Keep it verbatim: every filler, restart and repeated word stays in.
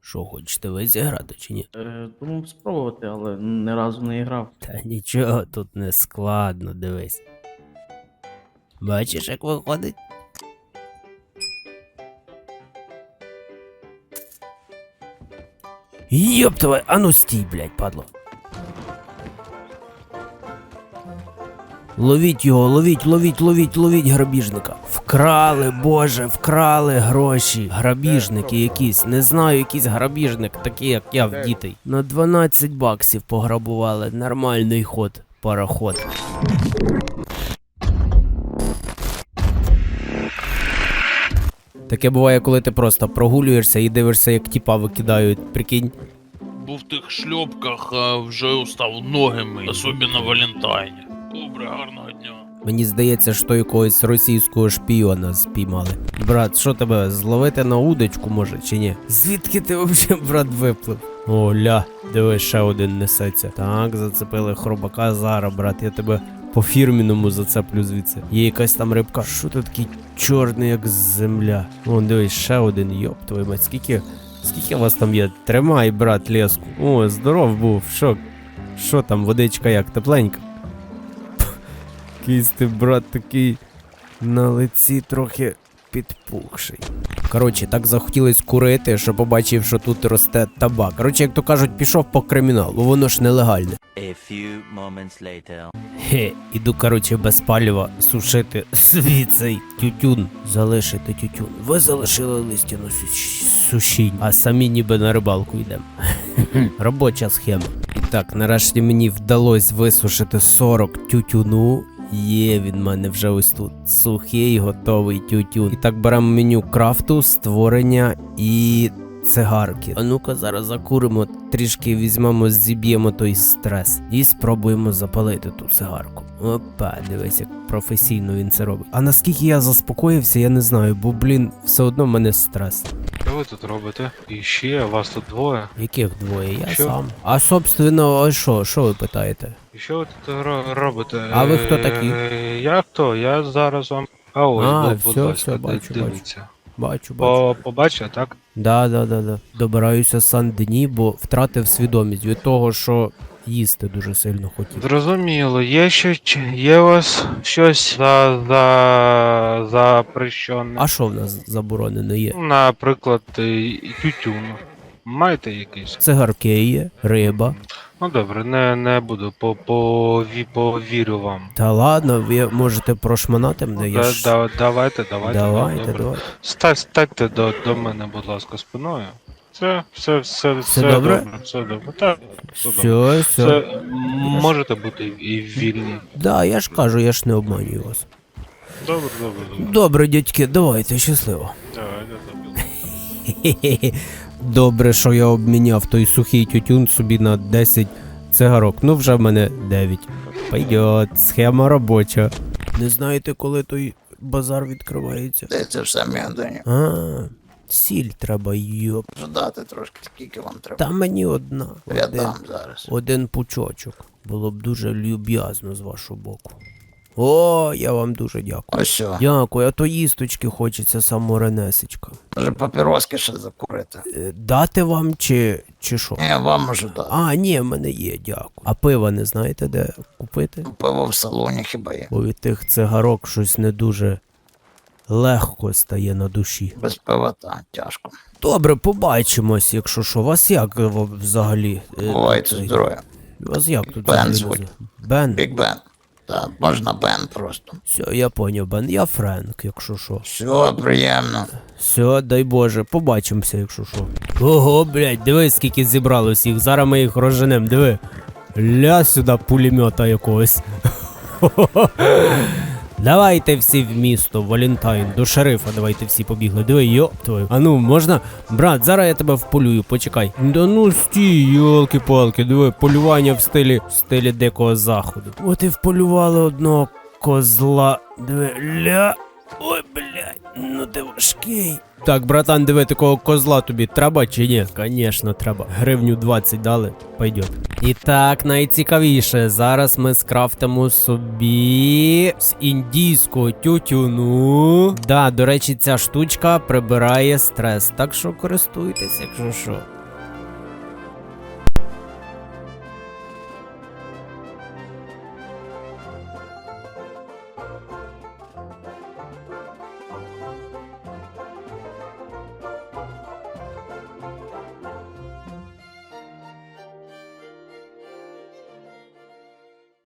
Що, хочете ви зіграти чи ні? Е, думав спробувати, але ні разу не грав. Та нічого тут не складно, дивись. Бачиш, як виходить? Йоп твою, а ну стій, блядь, падло. Ловіть його, ловіть, ловіть, ловіть, ловіть грабіжника. Вкрали, боже, вкрали гроші. Грабіжники якісь, не знаю, якийсь грабіжник, такий як я в дітей. На дванадцять баксів пограбували, нормальний ход, пароход. Таке буває, коли ти просто прогулюєшся і дивишся, як тіпа викидають, прикинь. Був в тих шльопках, а вже устав ноги мить, особливо на Валентайні. Добре, гарного дня. Мені здається, що якогось російського шпіона спіймали. Брат, що тебе, зловити на удочку може чи ні? Звідки ти взагалі, брат, виплив? О, ля, диви, ще один несеться. Так, зацепили хробака, зараз, брат, я тебе по фірміному зацеплю звідси. Є якась там рибка. Що ти такий чорний, як земля? О, дивись, ще один, йоп, твою мать, скільки, скільки вас там є? Тримай, брат, леску. О, здоров був, що? Що там, водичка як, тепленька? Якийсь ти, брат, такий на лиці трохи підпухший. Коротше, так захотілось курити, що побачив, що тут росте табак. Коротше, як то кажуть, пішов по криміналу, воно ж нелегальне. A few moments later. Хе, іду, коротше, без палива сушити свій цей тютюн. Залишити тютюн. Ви залишили листяну сушінь, а самі ніби на рибалку йдемо. Робоча схема. І так, нарешті мені вдалося висушити сорок тютюну. Є, він в мене вже ось тут. Сухий, готовий тютюн. І так беремо меню крафту, створення і цигарки. А ну-ка зараз закуримо, трішки візьмемо, зіб'ємо той стрес. І спробуємо запалити ту цигарку. Опа, дивись, як професійно він це робить. А наскільки я заспокоївся, я не знаю, бо, блін, все одно в мене стрес. Що ви тут робите? І ще, вас тут двоє. Яких двоє? Я Що? сам. А, собственно, а що? Що ви питаєте? І що ви тут ро- робите? А ви хто такі? Е, Я хто? Я зараз вам... А ось, А, будь, будь все, ласка, все, бачу, дивіться. Бачу, бачу. По, побачив, так? Да, да, да, да. Добираюся Сан-Дені, бо втратив свідомість від того, що їсти дуже сильно хотів. Зрозуміло, є ще, чи- є у вас щось за, за, запрещене? А що в нас заборонено є? Наприклад, і- і тютюн. Маєте якийсь? Цигарки є, риба. Ну добре, не, не буду, по, по, ві- повірю вам. Та ладно, ви можете прошманати мене, я Да, ж... да, давайте, давайте. Давайте, добре. давайте. Ста- Станьте до, до мене, будь ласка, спиною. Це, все, все, все, добре? добре, все добре. Так, все добре. Все, все. Це м, можете бути і вільні. Да, я ж кажу, я ж не обманюю вас. Добре, добре, добре. Добре, дядьки, давайте, щасливо. Давайте, добре. Хе-хе-хе. Добре, що я обміняв той сухий тютюн собі на десять цигарок. Ну, вже в мене дев'ять. Пойдет, схема робоча. Не знаєте, коли той базар відкривається? Де це в самій Андоні? А, сіль треба, йоп. Ждати трошки, скільки вам треба. Та мені одна. Я Один, дам зараз. один пучочок. Було б дуже люб'язно з вашого боку. О, я вам дуже дякую. Ось що. Дякую, а то їсточки хочеться саморенесечка. Може папіроски ще закурити. Е, Дати вам чи, чи що? Ні, вам можу дати. А, ні, в мене є, дякую. А пива не знаєте, де купити? Пиво в салоні хіба є. Бо від тих цигарок щось не дуже легко стає на душі. Без пива та тяжко. Добре, побачимось, якщо що. Вас як е, взагалі? е, Бувайте цей- здорові. Вас як тут? Бен взагалі звуть. називають? Бен? Біг Бен. Так, можна Бен просто. Все, я поняв, Бен. Я Френк, якщо що. Все, приємно. Все, дай Боже, побачимося, якщо що. Ого, блядь, диви, скільки зібралось їх. Зараз ми їх розженем, диви. Ля сюди пулемета якогось. Давайте всі в місто, Валентайн, до шерифа давайте всі побігли. Диви, йоп твою. А ну, можна? Брат, зараз я тебе вполюю, почекай. Да ну стій, йолки-палки, диви, полювання в стилі, в стилі дикого заходу. От і вполювали одного козла. Диви, ля. Ой, блядь, ну ти важкий. Так, братан, диви, такого козла тобі треба чи ні? Конечно, треба. Гривню двадцять дали, пойдет. І так, найцікавіше, зараз ми скрафтимо собі з індійського тютюну. Да, до речі, ця штучка прибирає стрес, так що користуйтесь, якщо що.